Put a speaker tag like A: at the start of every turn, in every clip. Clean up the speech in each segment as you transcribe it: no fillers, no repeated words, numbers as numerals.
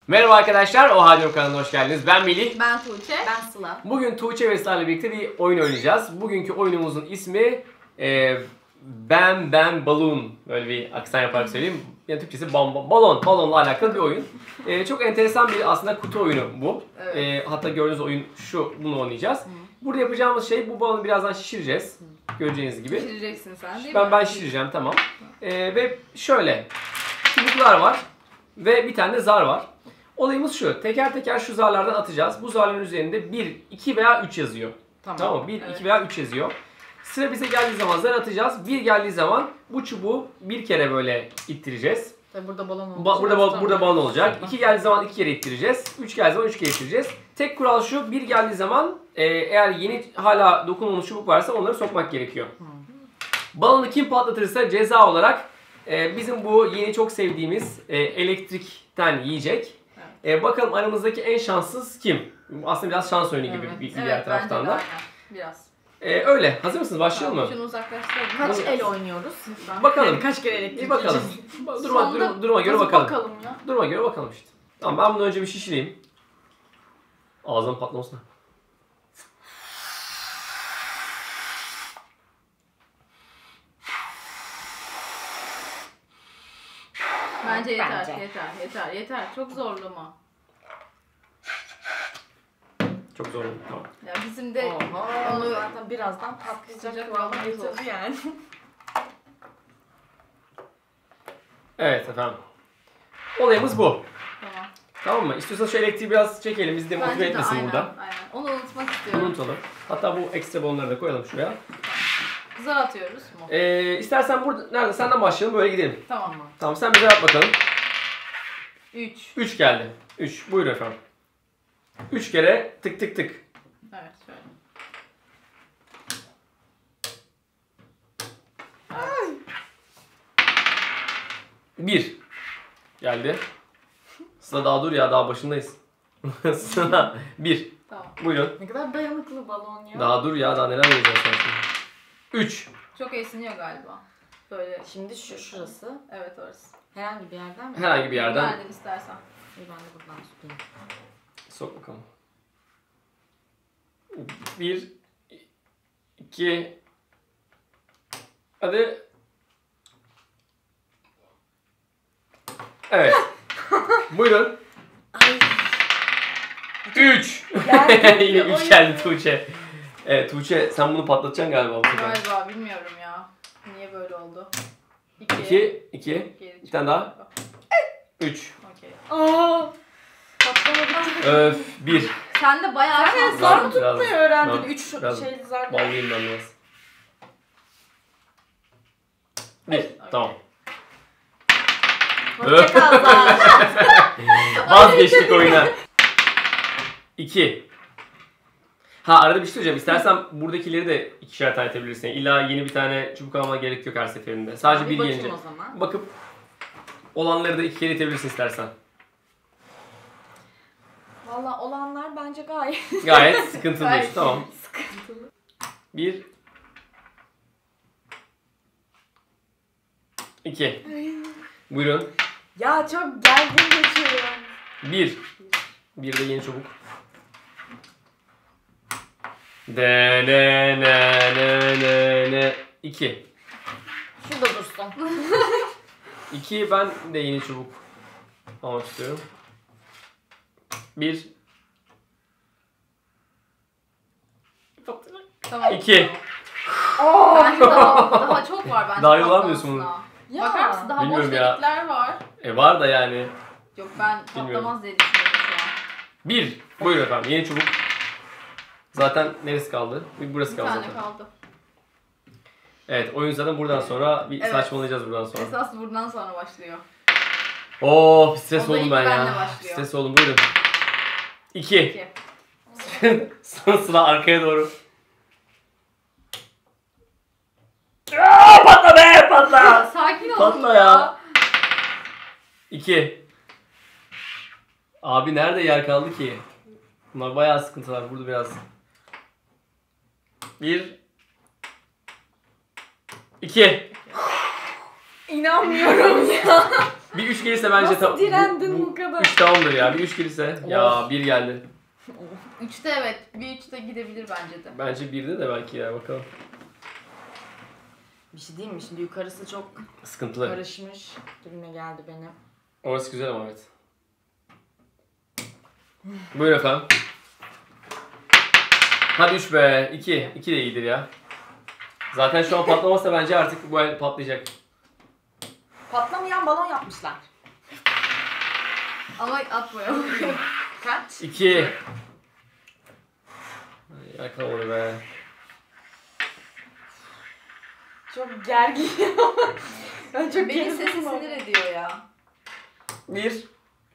A: Merhaba arkadaşlar, Oha Diyorum kanalına hoş geldiniz. Ben Melih.
B: Ben Tuğçe.
C: Ben Sıla.
A: Bugün Tuğçe ve Sıla'yla birlikte bir oyun oynayacağız. Bugünkü oyunumuzun ismi Ben Balloon. Böyle bir aksan yaparak söyleyeyim. Yani Türkçesi balonla alakalı bir oyun. Çok enteresan bir aslında kutu oyunu bu.
B: Evet.
A: Hatta gördüğünüz oyun bunu oynayacağız. Burada yapacağımız şey bu balonu birazdan şişireceğiz. Göreceğiniz gibi.
B: Şişireceksin sen değil mi?
A: Ben şişireceğim, tamam. Ve şöyle çubuklar var ve bir tane de zar var. Olayımız şu, teker teker şu zarlardan atacağız. Bu zarların üzerinde 1, 2 veya 3 yazıyor. Tamam mı? 1, 2 veya 3 yazıyor. Sıra bize geldiği zaman zar atacağız. 1 geldiği zaman bu çubuğu bir kere böyle ittireceğiz.
C: Tabii burada balon olacak.
A: Burada balon olacak. 2 geldiği zaman 2 kere ittireceğiz. 3 geldiği zaman 3 kere ittireceğiz. Tek kural şu, 1 geldiği zaman eğer yeni hala dokunulmuş çubuk varsa onları sokmak gerekiyor. Balonu kim patlatırsa ceza olarak bizim bu yeni çok sevdiğimiz elektrikten yiyecek.
B: Evet.
A: Bakalım aramızdaki en şanssız kim? Aslında biraz şans oyunu gibi bir diğer taraftan da.
B: Biraz.
A: Öyle. Hazır mısınız? Başlayalım mı?
B: Şunu uzaklaştıralım.
C: Kaç el oynuyoruz?
A: Bakalım.
C: Kaç kere elektrik
A: Bir bakalım.
C: yiyeceğiz?
A: Duruma göre bakalım.
B: Bakalım ya.
A: Duruma göre bakalım işte. Tamam, ben bunu önce bir şişireyim. Ağzım patlamasın.
B: Bence yeter,
C: Bence.
B: yeter. Çok zorlama.
A: Çok zor oldu. Tamam.
B: Ya bizim de
C: Onu zaten birazdan patlayacak
B: Sıcak
C: kıvama
B: olmak zor.
C: getirdi yani.
A: Evet efendim. Olayımız bu.
B: Tamam.
A: Tamam mı? İstiyorsanız şu elektriği biraz çekelim. Bizi de motive
B: Bence de
A: etmesin
B: aynen,
A: burada.
B: aynen. Onu unutmak
A: Bunu
B: istiyorum.
A: unutalım. Hatta bu ekstra balonları da koyalım şuraya.
B: Zar atıyoruz mu?
A: İstersen burada, nerede? Senden başlayalım, böyle gidelim.
B: Tamam mı?
A: Tamam, sen bize yap bakalım.
B: 3.
A: 3 geldi. 3. Buyurun efendim. 3 kere tık tık tık.
B: Evet şöyle.
A: Bir geldi. Sıla daha dur ya, daha başındayız. Sıla 1.
B: Tamam.
A: Buyurun.
C: Ne kadar dayanıklı balon ya.
A: Daha dur ya, daha neler yapacağız sen şimdi. 3.
B: Çok esniyor galiba. Böyle.
C: Şimdi şurası.
B: Evet orası.
C: Herhangi bir yerden mi?
A: Herhangi bir yerden
B: Nereden istersen.
C: İyi, ben de buradan tutayım.
A: sok bakalım. 1 2 Hadi. Evet. Buyurun.
C: Ay.
A: 3.
C: Geldi.
A: Yine 3 geldi Tuğçe. Evet Tuğçe, sen bunu patlatacaksın galiba bu sefer.
B: Galiba bilmiyorum ya. Niye böyle oldu?
A: 2 bir tane daha. 3.
B: Okey.
C: Aa. Patlamadı.
A: Öf 1.
B: Sen de bayağı
C: Sen
B: şanslısın.
C: zar mı
A: Biraz-
C: tutmayı öğrendin?
A: biraz-
C: 3
A: biraz
C: şeyli zar.
A: Ballıyım ben biraz. 1. Tamam.
C: Hoşçakal zar.
A: Vazgeçtik oyuna. 2. Ha, arada bir şey söyleyeceğim. İstersen buradakileri de ikişer tane atabilirsin. İlla yeni bir tane çubuk almana gerek yok her seferinde. Sadece bir
C: bakayım
A: gelince.
C: o zaman.
A: Bakıp olanları da iki kere itebilirsin istersen.
C: Valla olanlar bence gayet
A: Gayet sıkıntılı.
B: Gayet
A: Tamam.
C: sıkıntılı.
A: 1 2. Buyurun.
C: Ya çok gergin geçiyorum.
A: 1. Bir de yeni çubuk. De ne ne ne ne ne. 2.
C: Şurada dursun.
A: 2, ben de yeni çubuk almak istiyorum. 1
B: Tamam.
A: 2.
B: Bence daha çok var bence.
A: Daha yol almıyorsun bunu.
B: patlamasına.
C: Ya.
B: Bakar mısın? Daha boş
A: Bilmiyorum ya.
B: delikler var.
A: Var da yani.
B: Yok ben
A: Bilmiyorum.
B: patlamaz diye düşünüyorum şu an.
A: 1. Buyurun efendim, yeni çubuk. Zaten neresi kaldı? Burası
B: Bir
A: kaldı
B: tane
A: zaten.
B: kaldı.
A: Evet, oyun zaten buradan sonra bir
B: Evet.
A: saçmalayacağız buradan sonra.
B: Esas buradan sonra başlıyor.
A: Oo, stres
B: O da
A: oldum
B: ilk
A: ben
B: benle
A: ya.
B: başlıyor.
A: Stres oldum, buyurun. 2.
B: 2.
A: Sıra arkaya doğru. Aa, patla be, patla.
B: Sakin olun
A: Patla ya. 2. Abi nerede yer kaldı ki? Bunlar bayağı sıkıntılar. Burada biraz. 1 2.
C: İnanmıyorum ya.
A: Bir 3 gelirse bence
C: Nasıl direndin bu kadar?
A: 3 tamamdır ya. Bir 3 gelirse. Ya 1 geldi.
B: 3'te evet. Bir 3'te gidebilir bence de.
A: Bence 1'de de belki ya bakalım.
C: Bir şey diyeyim mi? Şimdi yukarısı çok
A: Sıkıntılı.
C: karışmış gibime geldi benim.
A: Orası güzel ama evet. Buyurun efendim. Hadi 3 be. 2. 2 de iyidir ya. Zaten şu an patlamazsa bence artık bu el patlayacak.
C: Patlamayan balon yapmışlar.
B: Ama atmayalım.
C: Kaç?
A: 2. Yakalamadı be.
C: Çok gergin. Ben çok
B: Benim sesi
C: gerildim ama.
B: sinir ediyor ya.
A: 1.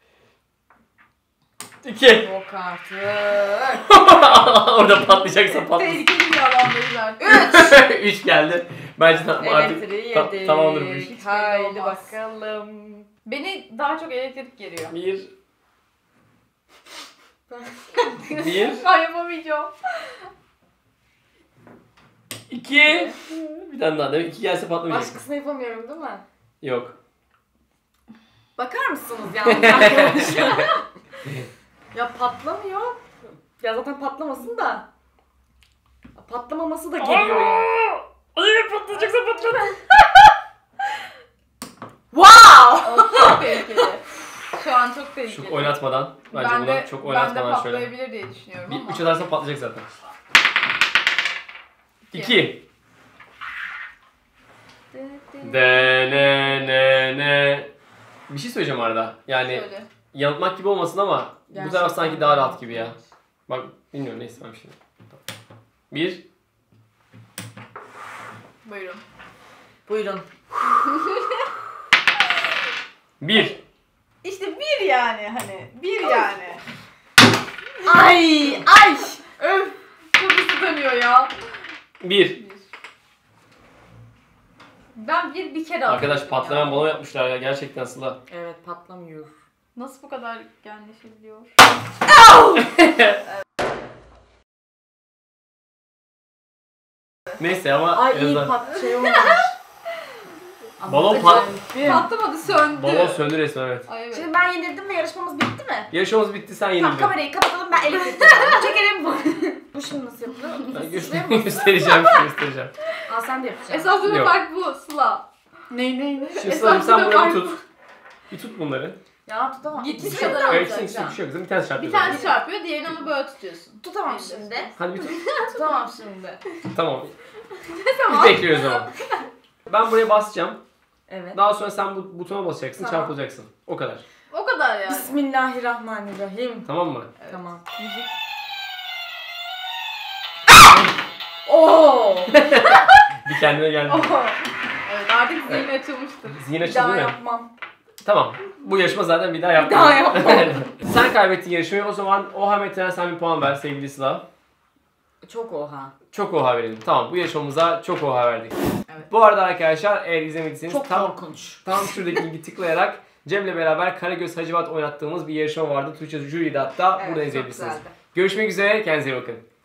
A: 2.
C: Yok artık.
A: Orada patlayacaksa patlasın.
B: Tehlikeli bir alandayız artık.
A: 3 geldi. Bence artık
C: Elektriği
A: ta-
C: yedik.
A: tamamdır bu iş.
B: Hiç belli
C: Haydi
B: olmaz.
C: bakalım.
B: Beni daha çok elektrik geriyor.
A: 1. 1.
B: Ben yapamayacağım.
A: 2. Bir tane daha değil mi? 2 gelse patlamayacak.
C: Başkasını yapamıyorum değil mi?
A: Yok.
C: Bakar mısınız yalnız arkadaşlar? Ya patlamıyor. Ya zaten patlamasın da. Patlamaması da geliyor ya.
A: Ay patlayacaksa patladı.
C: Wow!
B: O çok tehlikeli. Şu an çok tehlikeli.
A: Çok oynatmadan. Bence
B: ben
A: buna
B: de,
A: çok
B: ben de
A: oynatmadan şöyle.
B: patlayabilir diye düşünüyorum ama.
A: 3 atarsan patlayacak zaten. 2. De ne. Bir şey söyleyeceğim arada. Yani
B: Şöyle.
A: yanıltmak gibi olmasın ama bu taraf sanki daha rahat gibi ya. Bak bilmiyorum neyse ben bir şey. 1.
B: Buyurun.
C: Buyurun.
A: 1.
B: İşte bir yani hani. Bir yani.
C: Ay! Ay!
B: Öf. Çok hızlı dönüyor ya.
A: 1.
B: Ben bir kere
A: Arkadaş
B: atladım
A: patlayan
B: ya.
A: balon yapmışlar ya gerçekten Sıla.
C: Evet patlamıyor.
B: Nasıl bu kadar genleşebiliyor?
A: Neyse ama
C: Ay
A: en
C: iyi
A: azından
C: şey olmamış.
A: Balon
C: Ama
A: pat-
C: acayip.
B: Patlamadı, söndü.
A: balon söndü resmen evet.
B: Ay evet.
C: Şimdi ben yenildim ve yarışmamız bitti mi?
A: Yarışmamız bitti sen
C: Tamam
A: yenildin.
C: kamerayı kapatalım ben elektrikli çekelim bu. Bu şimdi nasıl yapılıyor?
A: Ben
C: Suçluyor musun?
A: göstereceğim göstereceğim.
C: Aa sen de yapacaksın.
B: Esas bir
A: Yok.
B: fark bu Sıla.
C: Ne?
A: Şimdi
B: Esas
A: Sıla'cığım sen
B: bir
A: bunları
B: fark
A: tut. Bir tut bunları.
C: Ya tutamam.
B: Gitmiş
C: Bir şey
B: kadar
C: yok.
B: olacak.
A: Öyküsün üstüne bir şey yok kızım. Bir tane çarpıyor.
B: Bir tanesi çarpıyor, diğerini ama böyle tutuyorsun.
C: Tutamam
B: Elinde
C: şimdi.
B: tutuyorsun.
A: Hadi bir tut.
C: Tutamam şimdi.
A: Tamam.
B: Tamam.
A: Biz bekliyoruz ama. Ben buraya basacağım.
C: Evet.
A: Daha sonra sen bu butona basacaksın,
C: Tamam.
A: çarpılacaksın. O kadar.
B: O kadar yani.
C: Bismillahirrahmanirrahim.
A: Tamam mı?
B: Evet.
C: Tamam.
B: Müzik.
C: Oo!
A: Bir kendine gel.
B: Oho. Evet artık zihin açılmıştır.
A: Zihin
C: Bir
A: açıldı
C: daha
A: değil mi?
C: yapmam.
A: Tamam. Bu yarışma zaten bir daha yapma.
C: daha yapmam.
A: Sen kaybettin yarışmayı. O zaman Oha Metin'e sen bir puan ver sevgili Sıla.
C: Çok oha.
A: Çok oha verelim. Tamam bu yarışmamıza çok oha verdik.
C: Evet.
A: Bu arada arkadaşlar eğer izlemediyseniz
C: Çok
A: tam
C: korkunç.
A: şuradaki linki tıklayarak Cem'le beraber Karagöz Hacivat oynattığımız bir yarışma vardı. Tuğçe Jury'de hatta
C: Evet,
A: burada
C: çok
A: izleyebilirsiniz.
C: güzeldi.
A: Görüşmek üzere. Kendinize iyi bakın.